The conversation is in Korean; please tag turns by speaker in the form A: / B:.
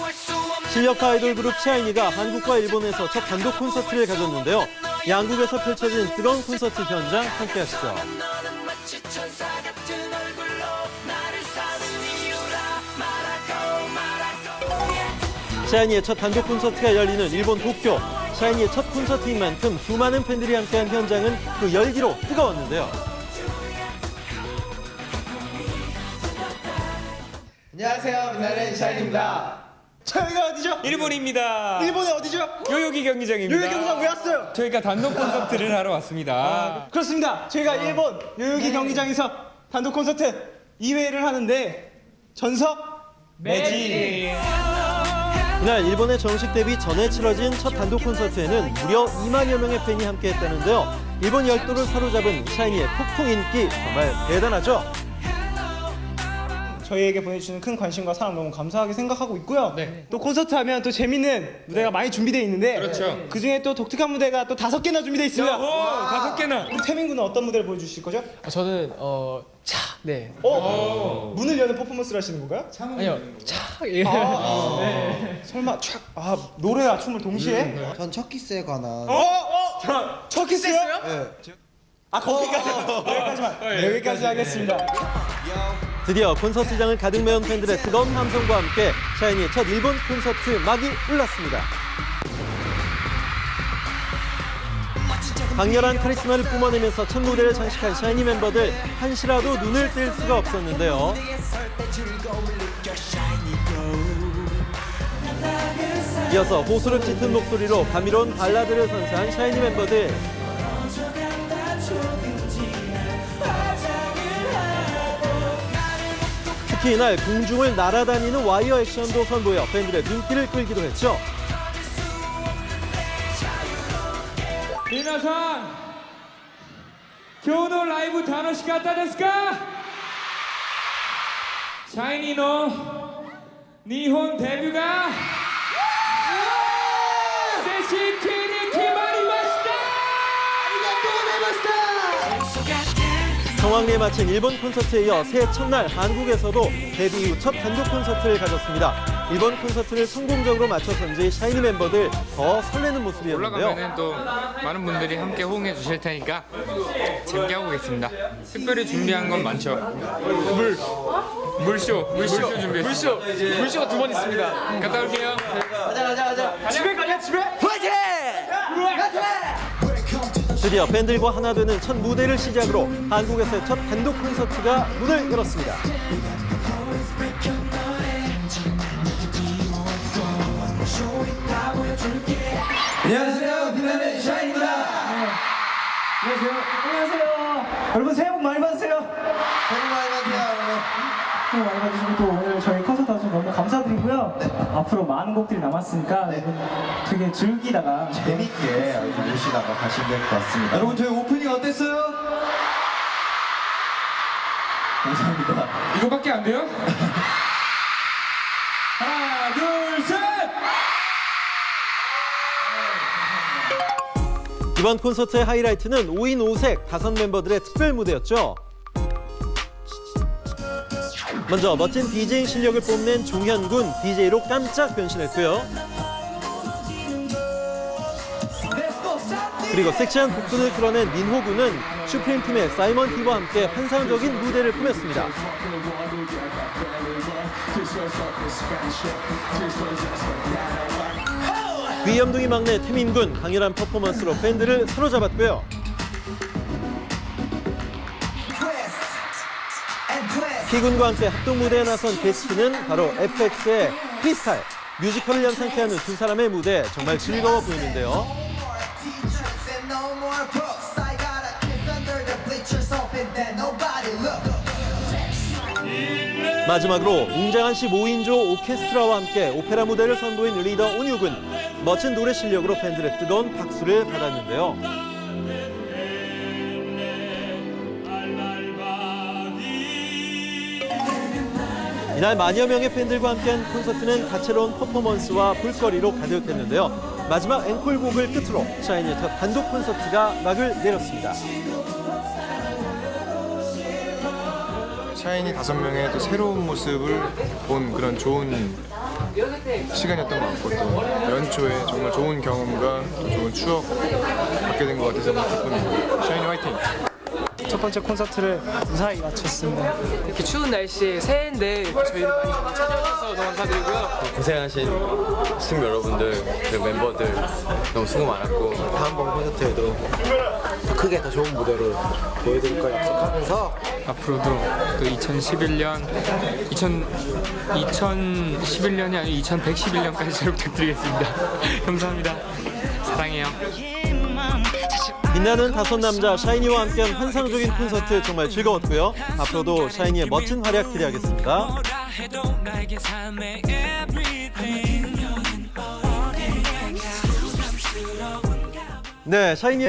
A: 실력파 아이돌 그룹 샤이니가 한국과 일본에서 첫 단독 콘서트를 가졌는데요. 양국에서 펼쳐진 뜨거운 콘서트 현장 함께 하시죠. 샤이니의 첫 단독 콘서트가 열리는 일본 도쿄. 샤이니의 첫 콘서트인 만큼 수많은 팬들이 함께한 현장은 그 열기로 뜨거웠는데요.
B: 안녕하세요, 빛나는 샤이니입니다.
C: 저희가 어디죠?
D: 일본입니다.
C: 일본의 어디죠?
D: 요요기 경기장입니다.
C: 요요기 경기장 왜 왔어요?
D: 저희가 단독 콘서트를 하러 왔습니다.
C: 그렇습니다. 저희가 일본 요요기 경기장에서 단독 콘서트 2회를 하는데 전석 매직.
A: 이날 일본의 정식 데뷔 전에 치러진 첫 단독 콘서트에는 무려 2만여 명의 팬이 함께했다는데요. 일본 열도를 사로잡은 샤이니의 폭풍 인기 정말 대단하죠?
C: 저희에게 보내주시는 큰 관심과 사랑 너무 감사하게 생각하고 있고요. 또 콘서트 하면 또 재밌는 무대가 많이 준비되어 있는데
D: 그렇죠.
C: 그중에 또 독특한 무대가 또 5개나 준비되어 있습니다.
D: 오, 5개나.
C: 우리 태민 군은 어떤 무대를 보여주실 거죠?
E: 저는 네.
C: 문을 여는 퍼포먼스를 하시는 건가요?
E: 아니요. 예.
C: 설마 노래와 춤을 동시에?
B: 전 첫 키스에 관한
C: 첫 키스요?
B: 네.
C: 여기까지만. 여기까지 하겠습니다.
A: 드디어 콘서트장을 가득 메운 팬들의 뜨거운 함성과 함께 샤이니의 첫 일본 콘서트 막이 올랐습니다. 강렬한 카리스마를 뿜어내면서 첫 무대를 장식한 샤이니 멤버들 한시라도 눈을 뗄 수가 없었는데요. 이어서 호소를 짙은 목소리로 감미로운 발라드를 선사한 샤이니 멤버들. 특히 이날 공중을 날아다니는 와이어 액션도 선보여 팬들의 눈길을 끌기도 했죠.
D: 미나산, 今日のライブ楽しかったですか? 샤이니の日本デビューが正式に決まりました。ありがとうございました。
A: 성황리에 마친 일본 콘서트에 이어 새해 첫날 한국에서도 데뷔 이후 첫 단독 콘서트를 가졌습니다. 일본 콘서트를 성공적으로 마쳐서인지 샤이니 멤버들 더 설레는 모습이었는데요.
F: 올라가면은 또 많은 분들이 함께 호응해 주실 테니까 재밌게 하고 오겠습니다. 특별히 준비한 건 많죠. 물쇼 준비했습니다.
E: 물쇼가 2번 있습니다.
F: 갔다 올게요.
C: 집에 가냐 집에?
A: 드디어 팬들과 하나 되는 첫 무대를 시작으로 한국에서의 첫 단독 콘서트가 문을 열었습니다.
B: 안녕하세요, 빛나는 샤이니입니다.
C: 안녕하세요. 여러분 새해 복 많이 받으세요.
B: 새해 복 많이 받으세요, 여러분.
C: 새해 복 많이 받으시고 또 오늘 저희 콘서트 와주셔서 너무 감사드리고요. 앞으로 많은 곡들이 남았으니까 여러분 되게 즐기다가
B: 재밌게 아주 모시다가 가시면 될 것 같습니다. 여러분, 저희 오프닝 어땠어요? 감사합니다.
D: 이거밖에 안 돼요? 하나, 둘, 셋!
A: 이번 콘서트의 하이라이트는 5인 5색 5멤버들의 특별 무대였죠. 먼저 멋진 디제잉 실력을 뽐낸 종현군 DJ로 깜짝 변신했고요. 그리고 섹시한 복근을 드러낸 민호군은 슈프림 팀의 사이먼 티와 함께 환상적인 무대를 꾸몄습니다. 귀염둥이 막내 태민군 강렬한 퍼포먼스로 팬들을 사로잡았고요. 키군과 함께 합동 무대에 나선 게스트는 바로 FX의 크리스탈. 뮤지컬을 연상케 하는 두 사람의 무대 정말 즐거워 보이는데요. 마지막으로 웅장한 15인조 오케스트라와 함께 오페라 무대를 선보인 리더 온유군. 멋진 노래 실력으로 팬들의 뜨거운 박수를 받았는데요. 이날 만여 명의 팬들과 함께한 콘서트는 다채로운 퍼포먼스와 볼거리로 가득했는데요. 마지막 앵콜곡을 끝으로 샤이니의 첫 단독 콘서트가 막을 내렸습니다.
G: 샤이니 5명의 또 새로운 모습을 본 그런 좋은 시간이었던 것 같고 또 연초에 정말 좋은 경험과 또 좋은 추억 갖게 된 것 같아서 너무 기쁩니다. 샤이니 화이팅!
C: 첫 번째 콘서트를 무사히 마쳤습니다.
E: 이렇게 추운 날씨에 새해인데 저희를 많이 찾아주셔서 너무 감사드리고요.
H: 고생하신 시청자 여러분들 그리고 멤버들 너무 수고 많았고 다음번 콘서트에도 더 크게 더 좋은 무대로 보여드릴 걸 약속하면서
F: 앞으로도 또 2011년이 아니고 2111년까지 잘 부탁드리겠습니다. 감사합니다. 사랑해요.
A: 빛나는 다섯 남자 샤이니와 함께한 환상적인 콘서트 정말 즐거웠고요. 앞으로도 샤이니의 멋진 활약 기대하겠습니다. 네, 샤이니의